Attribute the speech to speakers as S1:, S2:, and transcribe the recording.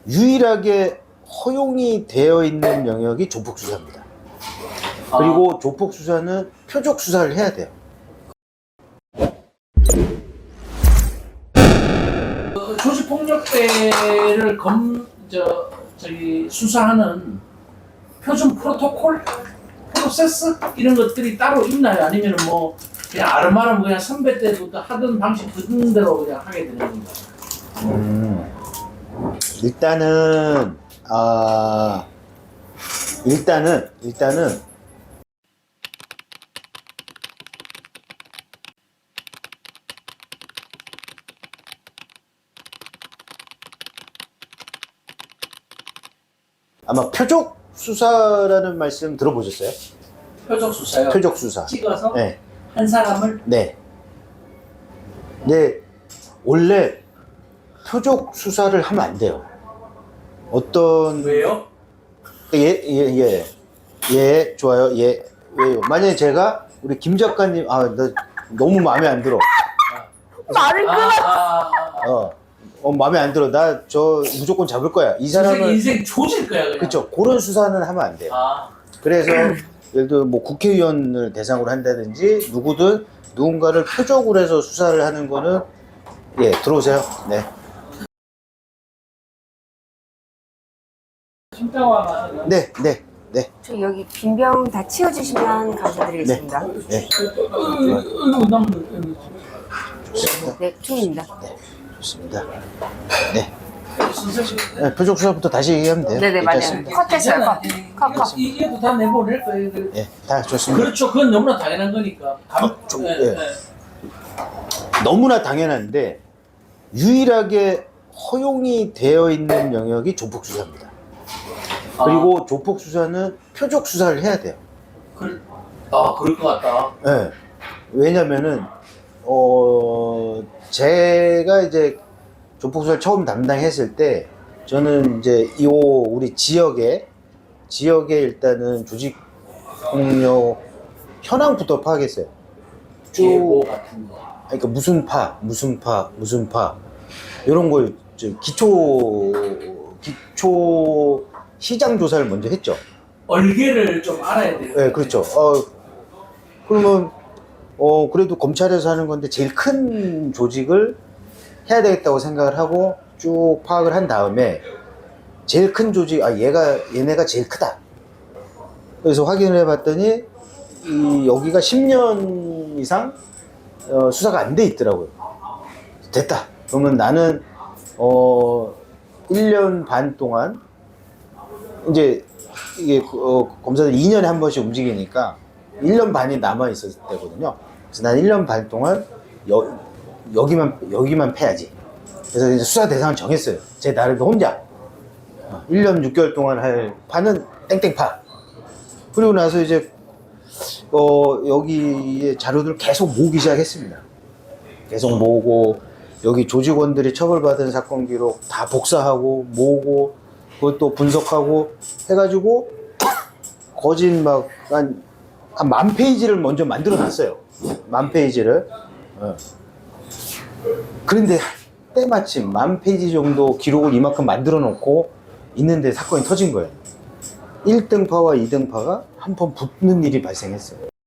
S1: 유일하게 허용이 되어 있는 영역이 조폭수사입니다. 그리고 조폭수사는 표적수사를 해야 돼요.
S2: 조직폭력배를 수사하는 표준 프로토콜, 프로세스 이런 것들이 따로 있나요? 아니면 뭐 그냥 아름아름 그냥 선배 때부터 하던 방식 그대로 그냥 하게 되는 건가요?
S1: 일단은 아마 표적 수사라는 말씀 들어보셨어요?
S2: 표적 수사요?
S1: 표적 수사.
S2: 찍어서
S1: 네.
S2: 한 사람을
S1: 네. 원래 표적 수사를 하면 안 돼요. 어떤
S2: 왜요?
S1: 좋아요. 왜요? 만약에 제가 우리 김 작가님 나 너무 마음에 안 들어.
S3: 말을 끊어.
S1: 마음에 안 들어. 나 저 무조건 잡을 거야. 이 사람은
S2: 인생 조질 거야 그냥.
S1: 그렇죠. 그런 수사는 하면 안 돼요. 그래서 예를 들어 뭐 국회의원을 대상으로 한다든지 누군가를 표적으로 해서 수사를 하는 거는 들어오세요. 네. 네.
S3: 저 여기 빈병 다 치워주시면 감사드리겠습니다.
S1: 네.
S3: 네, 총입니다.
S1: 좋습니다. 네. 표적 수사부터 다시 얘기하면 돼요.
S3: 네네, 맞아요.
S1: 괜찮습니다.
S3: 컷했어요, 컷.
S2: 이게도 다 내보낼 거예요.
S1: 다 좋습니다.
S2: 그렇죠. 그건 너무나 당연한 거니까.
S1: 너무나 당연한데 유일하게 허용이 되어 있는 영역이 조폭수사입니다. 그리고 조폭수사는 표적수사를 해야 돼요.
S2: 그럴 것 같다.
S1: 네. 왜냐면은 제가 이제 조폭수사를 처음 담당했을 때 저는 이제 우리 지역에 일단은 조직폭력 현황부터 파악했어요.
S2: 쭉 같은 거.
S1: 그러니까 무슨 파 이런 걸 기초 시장 조사를 먼저 했죠.
S2: 얼개를 좀 알아야 돼요.
S1: 네, 그렇죠. 그러면 그래도 검찰에서 하는 건데 제일 큰 조직을 해야 되겠다고 생각을 하고 쭉 파악을 한 다음에 제일 큰 조직, 얘네가 제일 크다. 그래서 확인을 해봤더니 여기가 10년 이상 수사가 안 돼 있더라고요. 됐다. 그러면 나는 1년 반 동안 이제 이게 검사들 2년에 한 번씩 움직이니까 1년 반이 남아 있었을 때거든요. 그래서 난 1년 반 동안 여기만 패야지. 그래서 이제 수사 대상을 정했어요. 제 나름대로 혼자 1년 6개월 동안 할 파는 땡땡파. 그리고 나서 이제 여기에 자료들을 계속 모으기 시작했습니다. 계속 모으고 여기 조직원들이 처벌받은 사건 기록 다 복사하고 모으고 그것도 분석하고 해가지고 거진 막 한 10,000페이지를 먼저 만들어 놨어요. 10,000페이지를. 그런데 때마침 10,000페이지 정도 기록을 이만큼 만들어 놓고 있는데 사건이 터진 거예요. 1등파와 2등파가 한 번 붙는 일이 발생했어요.